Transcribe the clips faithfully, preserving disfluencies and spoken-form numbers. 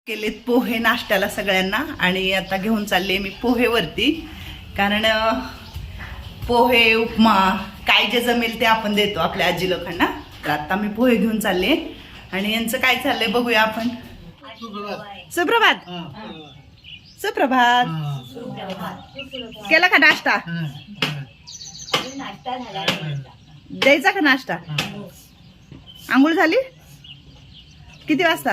केलेत पोहे नाश्त्याला सगळ्यांना आणि आता घेऊन चालले मी पोहेवरती, कारण पोहे उपमा काय जे जमेल ते आपण देतो आपल्या आजी लोकांना. तर आता मी पोहे घेऊन चालले आणि यांचं काय चाललंय बघूया आपण. सुप्रभात सुप्रभात केला का नाश्ता? द्यायचा का नाश्ता? आंघोळ झाली? किती वाजता?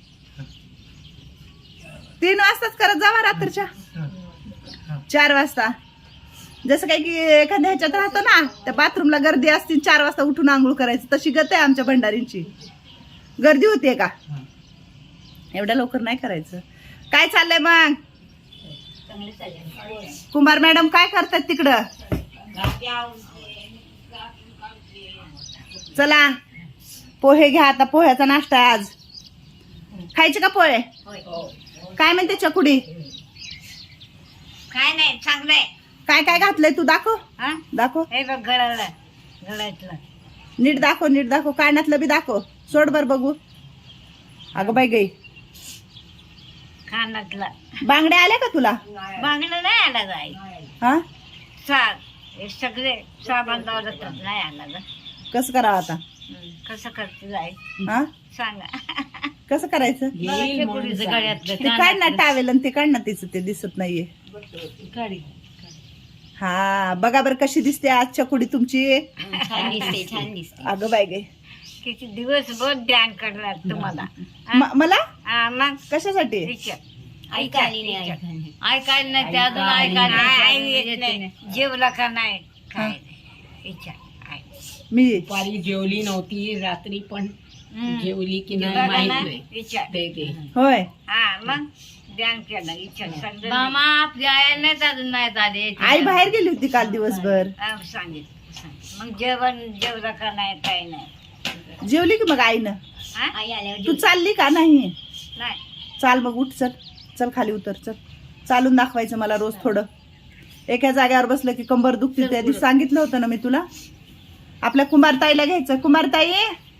तीन वाजताच करत जावा रात्रीच्या चार वाजता. जसं काही की एखाद्या ह्याच्यात राहतो ना, त्या बाथरूमला गर्दी असते, चार वाजता उठून आंघोळ करायचं, तशी गत आहे आमच्या भंडारींची. गर्दी होतीये का? एवढ्या लवकर नाही करायचं. काय चाललंय मग? कुमार मॅडम काय करतात तिकडं? चला पोहे घ्या, आता पोह्याचा नाश्ता आहे आज. खायचे का पोहे? काय म्हणते चकुडी? काय नाही, चांगलंय. काय काय घातलंय तू? दाखव दाखव. हे बघ गळाला गळ्यातलं. नीट दाखव नीट दाखव. कानातलं बी दाखव. सोड बर बघू. अगं बाई गई, कानातला. बांगड्या आल्या का तुला? बांगला नाही आला जाई. हा साग हे सगळे साबण लावलं तर नाही आला ग. कसं करावं आता? कसं करते जाई हा सांगा. कसं करायचं? गळ्यातलं ते काढ ना टावेल आणि ते काढ ना, तिचं ते दिसत नाहीये. हा बघा बरं कशी दिसते आज चकुडी तुमची. छान दिसते, छान दिसते. अगं बाई गई, किती दिवसभर ध्यान करणार तुम्हाला. म- मला हा मग कशासाठी? ऐकायला ऐकायला नाही ते अजून ऐकायला जेवला का नाही काय विचार. मी दुपारी जेवली नव्हती, रात्री पण जेवली की नाही बघा माहित ना, नाही. विचार. ते ते होय. हा मग ध्यान केलं विचार. मामा आपल्या नाही अजून नाही आले. आई बाहेर गेली होती काल दिवसभर. सांगितलं मग जेवण जेवलं का नाही काय नाही. जेवली की मग आईनं? आई आल्यावर तू चालली का नाही? नाही. चाल मग, उठ, चल चल खाली उतर, चल. चालून दाखवायचं मला रोज थोडं. एका जागेवर बसलं की कंबर दुखते. त्या दिवशी सांगितलं होतं ना मी तुला. आपल्या कुमारताईला घ्यायचं. कुमारताई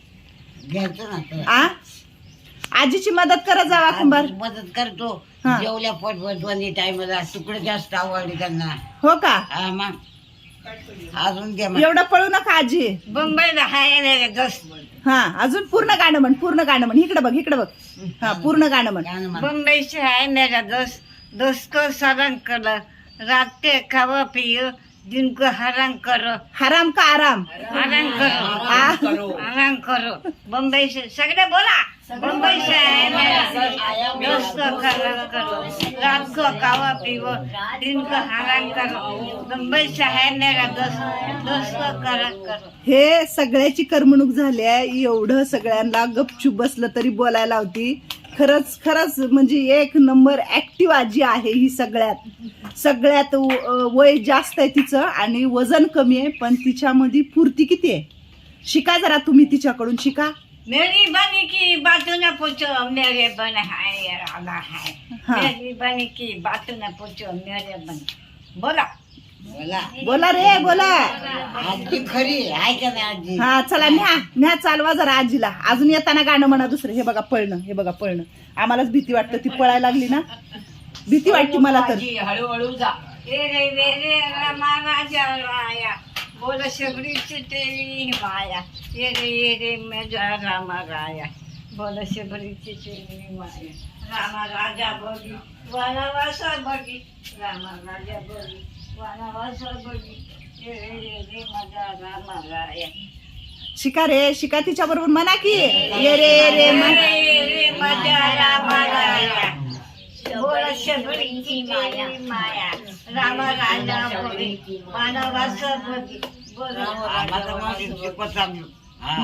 आ आजीची मदत करत जावा. कुंभार मदत करतो. हा. जेवल्या पोटभर दोन्ही टाइमला तुकडे जास्त आवडले त्यांना. हो का? हा, मग अजून द्या मग. एवढं पळू नका आजी. मुंबईला हाय दस. हा अजून पूर्ण गाणं म्हण, पूर्ण गाणं म्हण. इकडे बघ इकडे बघ. हा पूर्ण गाणं म्हण. गाणं म्हण. मुंबई से है मेरा दोस्त, दोस्त को सरंग करो, रात के खाओ पियो, दिन को हराम करो. हराम का आराम? आराम करो. आ? आराम करो. मुंबई से सगळे बोला. मुंबई से है मेरा दोस्त, दोस्त को हराम करो, रात को खाओ पियो, दिन को हराम करो. मुंबई से है मेरा दोस्त, दोस्त को हराम करो. हे सगळ्याची करमणूक झाली आहे. एवढं सगळ्यांना गपचूप बसलं तरी बोलायला होती. खरंच खरंच म्हणजे एक नंबर ऍक्टिव्ह आजी आहे ही. सगळ्यात सगळ्यात व- वय जास्त आहे तिचं आणि वजन कमी आहे, पण तिच्यामध्ये फुर्ती किती आहे. शिका जरा तुम्ही तिच्याकडून, शिका. मेरी बनी की बातों न पूछो, मेरे बन है राधा है. हाँ. मेरी बनी की बातों न पूछो, मेरे बन. बोला बोला. बोला रे बोला. आजी खरी आहे का नाही आजी? हा चला न्या न्या, चालवा जरा आजीला. अजून येताना गाणं म्हणा दुसरं. हे बघा पळणं, हे बघा पळणं. आम्हालाच भीती वाटतं, ती पळायला लागली ना भीती वाटते मला तर. हळूहळू जा. रे रे रे रे रामा राजा राया, बोल शबरीची तेरी माया. ये रे ये रे मेरा रामा राया, बोल शबरीची तेरी माया. रामा राजा बोली वनवासा बगी, रामा राजा बोली वनवासा बगी. ये रे ये रे माझा रामा राया. शिका रे शिका, तिच्या बरोबर म्हणा की ये रे ये रे ये म्हण. रे ये रे माझा रामा राया, बोल शबरीची माया माया. राम राजा बोली वनवास बगी, बोल माझं माझं शिकवत चाललो. हा.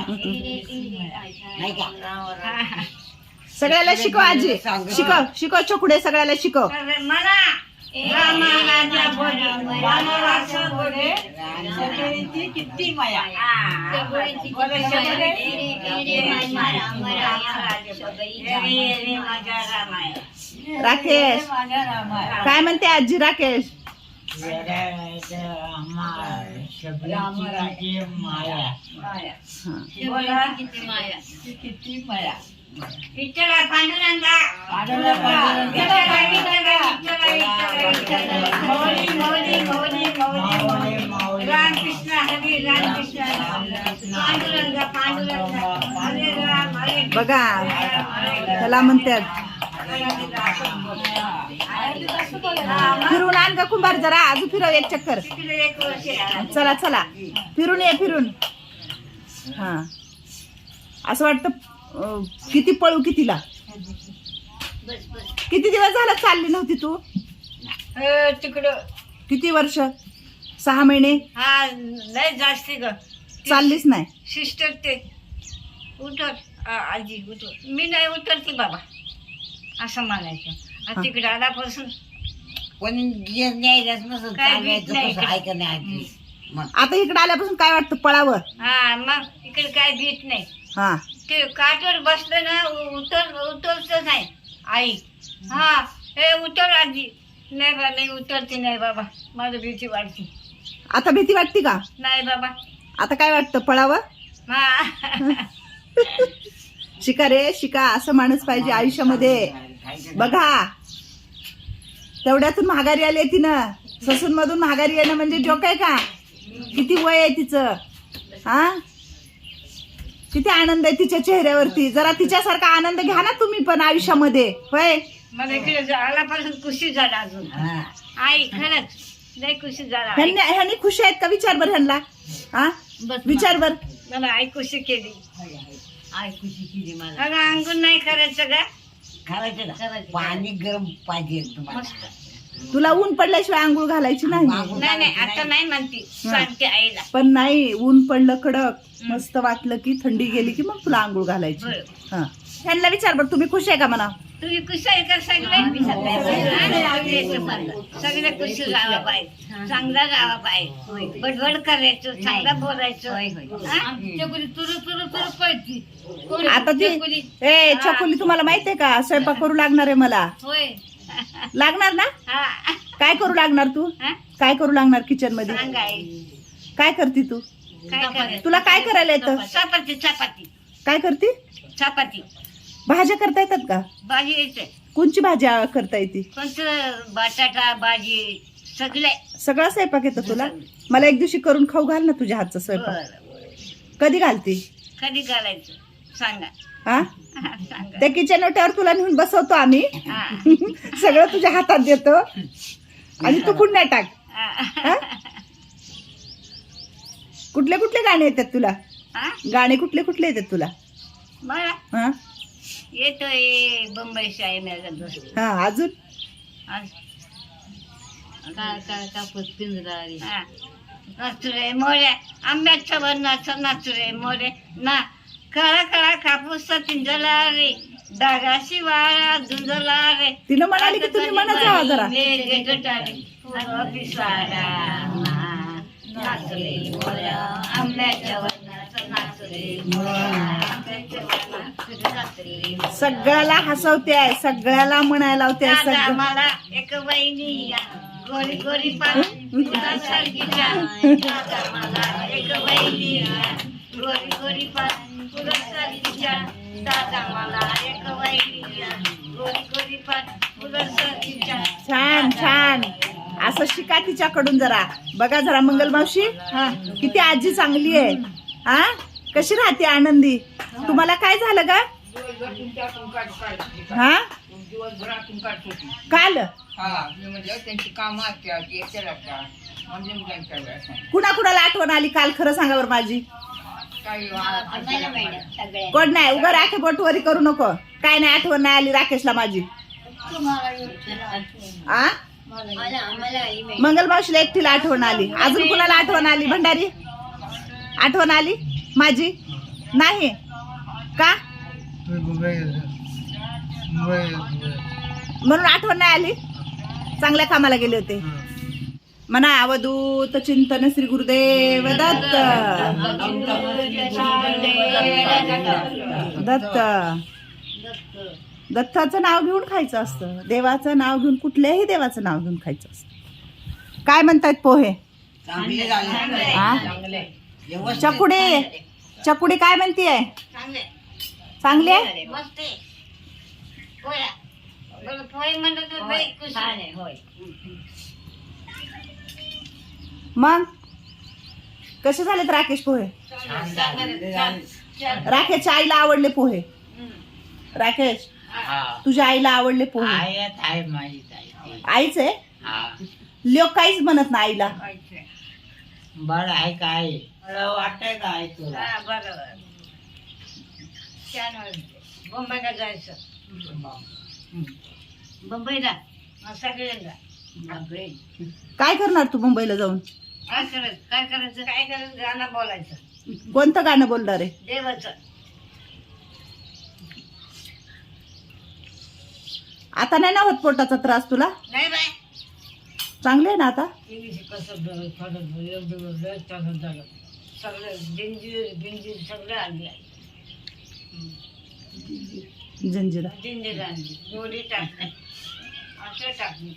नाही का? सगळ्याला शिकव आजी. शिकव शिकव चकुडे, सगळ्याला शिकव. मला राम राजा बोली वनवास बोले शबरीची किती माया. बोल शबरी ये रे माझा रामाया. राकेश काय म्हणते आजी? राकेश शबरीची माया. बोला किती माया, किती माया. विठ्ठला पांडुरंगा विठ्ठला विठ्ठला विठ्ठला विठ्ठला मौली मौली मौली मौली रामकृष्ण हरी रामकृष्ण पांडुरंगा पांडुरंगा हरे राम हरे बघा त्याला म्हणतात फिरून आण का कुंभार जरा अजून फिरव एक चक्कर. एक वर्ष चला चला फिरून ये फिरून. हा असं वाटतं अं, किती पळू कितीला. किती दिवस झाला चालली नव्हती तू. तिकडं किती वर्ष. सहा महिने हा लय जास्ती ग चाललीच नाही. सिस्टर ते उतर आ- आजी उतर मी नाही उतरती बाबा असं म्हणायचं आणि तिकडे आल्यापासून कोणी न्यायलाच नसत काय चालवायचं नाही. कसं ऐका नाही आजी. मग आता इकडे आल्यापासून काय वाटतं पळावं. हा मग इकडे काय भीत नाही. हा ते काठवर बसलं ना उ- उतर उतरच नाही आई. हा हे उतर आजी. नाही बा नाही उतरते नाही बाबा माझं भीती वाटते. आता भीती वाटते का. नाही बाबा आता काय वाटतं पळावं. हा शिका रे शिका असं माणूस पाहिजे आयुष्यामध्ये. बघा तेवढ्यातून महागारी आली आहे तिनं. ससून मधून महागारी येणं म्हणजे जोक आहे का. किती वय आहे तिचं. हा किती आनंद आहे तिच्या चेहऱ्यावरती. जरा तिच्यासारखा आनंद घ्या ना तुम्ही पण आयुष्यामध्ये. होय मला इकडे आल्यापासून खुशी झाला अजून. हा. आई खरंच लय खुशी झाला. आई. ह्यांनी ह्यांनी खुशी आहेत का विचार बर ह्यांना. हा बस विचार बर. मला आई खुशी केली. आई खुशी केली मला. अगं अंगून नाही करायचं का. करायचं ना पाणी गरम पाहिजे तुम्हाला. मस्त. तुला ऊन पडल्याशिवाय आंघोळ घालायची नाही. नाही नाही आता नाही म्हणती सांगते आईला. पण नाही ऊन पडलं कडक मस्त वाटलं की थंडी गेली की मग तुला आंघोळ घालायची. बरं. हा ह्यांना विचार बर तुम्ही खुश आहे का म्हणा. तुम्ही खुश आहे का सगळे. सगळे खुश राहावा पाहिजे. चांगला राहावा पाहिजे. बडबड करायचं चांगलं बोलायचं. आता ती ए चकोली तुम्हाला माहित आहे का स्वयंपाक करू लागणार आहे मला. होय लागणार ना. हा काय करू लागणार तू. हा? काय करू लागणार किचन मध्ये. सांग आई. काय करते तू. काय करायचं. तुला काय करायला येतं. चपाती चपाती काय करते. चपाती भाज्या करता येतात का. भाजी यायचंय कोणची भाजी आ- करता येते. कोणतं बटाटा भाजी सगळे. सगळा स्वयंपाक येतो तुला. मला एक दिवशी करून खाऊ घाल ना तुझ्या हातचा स्वयंपाक. बरं कधी घालते. कधी घालायचं सांगा. हा हा, सांगा. त्या किचन ओट्यावर तुला नेऊन बसवतो आम्ही. हा. सगळं तुझ्या हातात देतो आणि तू पुन्हा टाक. हा. हा? कुठले कुठले गाणे येतात तुला. हा? गाणे कुठले कुठले येतात तुला. मला हा येतोय बंबई शाही माझा दोस्त. हा अजून कापूस पिंजरारी नाचुरे मोरे आंब्याच्या वरणाचं नाचुरे मोरे ना कळा कळा कापूस पिंजला रे डागाशी वाळा झुंजला रे. तिनं म्हणाली की तुम्ही म्हणत जावा जरा. नाचले मोऱ्या आंब्याच्या वरणाचं नाचले नाचले. सगळ्याला हसवते आहे सगळ्याला म्हणायला लावते आहे दादा सगळं. मला एक वहिनी या गोरी गोरी पान फुलासारखीच्या. दादा मला एक वहिनी या गोरी गोरी पान फुलासारखीच्या. दादा मला एक वहिनी या गोरी गोरी पान फुलासारखीच्या. छान छान असं शिका तिच्याकडून जरा. बघा जरा मंगल मावशी हा किती आजी चांगली आहे. हा कशी राहते आनंदी. तुम्हाला काय झालं का. हा काल त्यांची कामं असतात. कुणा कुणाला आठवण आली काल खरं सांगा बरं माझी. कोण नाही उगा राखे बोटवरी करू नको. काय नाही आठवण नाही आली राकेशला माझी. आ मंगल मावशीला एकटीला आठवण आली. अजून कुणाला आठवण आली. भंडारी आठवण आली माझी नाही का म्हणून आठवण नाही आली. चांगल्या कामाला गेले होते म्हणा. अवधूत चिंतन श्री गुरुदेव दत्त दत्त. दत्ताचं नाव घेऊन खायचं असतं. देवाचं नाव घेऊन कुठल्याही देवाचं नाव घेऊन खायचं असतं. काय म्हणतात पोहे. चांगले झाले. हा? चकुडी चकुडी काय म्हणतीये. चांगले चांगली आहे. मस्त आहे. पोळ्या. बरं, पोहे म्हणत होते बाई, कुस्ती. होय. मग कसे झालेत राकेश पोहे? छान झाले. छान, छान. राकेशच्या आईला आवडले पोहे. हम्म. राकेश हा तुझ्या आईला आवडले पोहे. आहेत आहे माझी ताई. आईच आहे. हा लोक काहीच म्हणत ना आईला. खायचंय. बरं आहे काय मला वाटतंय काय तुला हा, बरोबर. छान वाटते. मुंबईला जायचं. मुंबईला मग सगळ्यांना. बापरे. काय करणार तू मुंबईला जाऊन? काय करायचं काय करायचं काय करायचं गाणं बोलायचं. कोणतं गाणं बोलणार आहे? देवाचं. आता नाही ना होत पोटाचा त्रास तुला? नाही बाय. चांगले आहे ना आता? इंग्लिश कसं बरं थोडं एवढं वेळ तसं झालं. सगळं जिंजीर बिंजीर सगळं आणली आहे. जंजिरा. जिंजीर आणली. गोडी टाकली. असं टाकली.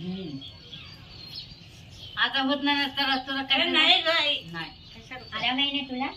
आता होत नाही ना तर तुला काय नाही नाही आल्या नाही तुला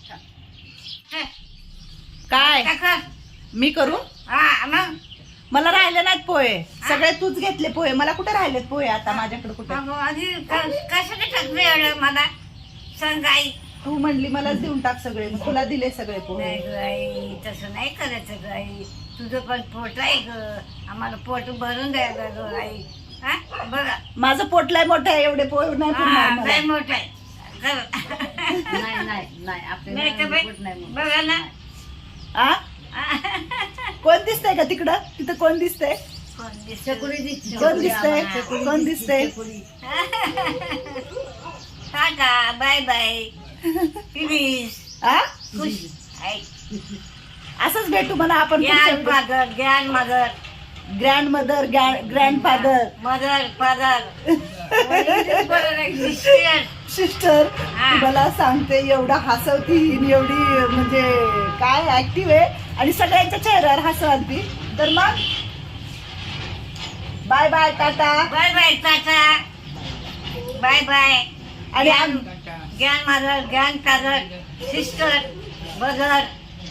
काय टाका. मी करू? हा मग मला राहिले नाहीत पोहे. सगळे तूच घेतले पोहे. मला कुठे राहिलेत पोहे आता? माझ्याकडे कुठे? अगं, आधी क- कशाने टाकलं एवढं मला सांग आई. तू म्हणली मलाच देऊन टाक सगळे, मग तुला दिले सगळे पोहे. नाही ग आई, तसं नाही करायचं ग आई. तुझं पण पोट आहे ग. आम्हाला पोट भरून द्यायला ग आई. हा बघा. माझं पोट लय मोठं आहे, एवढे पोहे नाही पुरणार हा, मला. लय मोठं आहे. नाही नाही नाही आपले नाही का बाई? बघा ना. आ? कोण दिसतंय का तिकडं? तिथं कोण दिसतंय? कोण दिसतं? कोण दिसतंय? कोण दिसतंय? Tata bye bye. प्लीज. आ? खुश. आई. असंच भेटू म्हणा आपण. Gyan father Gyan mother grandmother, grandfather, mother father sister. हा. मला सांगते एवढा हसवती ही, एवढी म्हणजे काय ऍक्टिव्ह आहे आणि सगळ्यांच्या चेहऱ्यावर हसवती. तर मग bye bye tata. Bye bye tata bye bye. आणि आम- ज्ञान मदर ज्ञान फादर सिस्टर ब्रदर.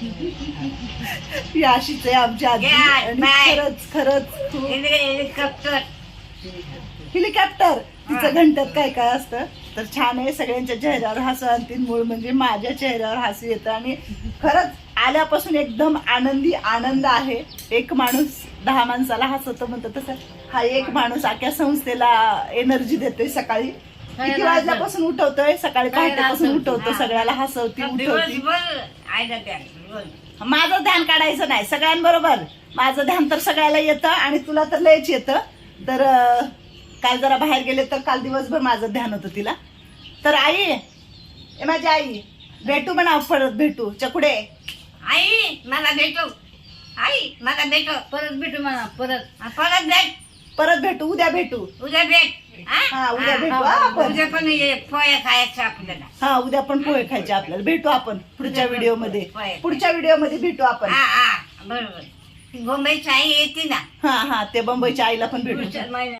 ही अशीच आहे आमची आजी. Yeah, आणि bye. खरंच खरंच खूप- हेलिकॉप्टर. हेलिकॉप्टर तिचं हा. घंट्यात काय काय असतं. तर छान आहे. सगळ्यांच्या चेहऱ्यावर हसू आणते. मूळ म्हणजे माझ्या चेहऱ्यावर हसू येतं आणि खरंच आल्यापासून एकदम आनंदी आनंद आहे. एक माणूस दहा माणसाला हसवतो म्हणतो तसं हा एक माणूस अख्ख्या संस्थेला एनर्जी देतोय. सकाळी किती वाजल्यापासून उठवतोय? सकाळी पहाटेपासून उठवतो. सगळ्याला हसवती उठवती. दिवसभर आयला द्या रोज. माझं ध्यान काढायचं नाही सगळ्यांबरोबर. माझं ध्यान तर सगळ्याला येतं आणि तुला तर लयच येतं. तर अं, काल जरा बाहेर गेले तर काल दिवसभर माझं ध्यान होतं तिला. तर आई, ए माझी आई, भेटू म्हणा परत भेटू. चकुडे आई मला भेटो. आई मला भेटो. परत भेटू म्हणा परत. हा, परत भेट. परत भेटू. उद्या भेटू. उद्या भेट. हा? हा उद्या हा, भेटू. हा, हा, आपण. उद्या पण ये पोया खायचं आपल्याला. हा उद्या पण पोहे खायचे आपल्याला. भेटू आपण पुढच्या व्हिडिओ मध्ये. पोहे. पुढच्या व्हिडिओ मध्ये भेटू आपण. हा हा बरोबर. मुंबईची आई येते ना हा हा ते बंबईच्या आईला पण भेटू. पुढच्या महिन्यात.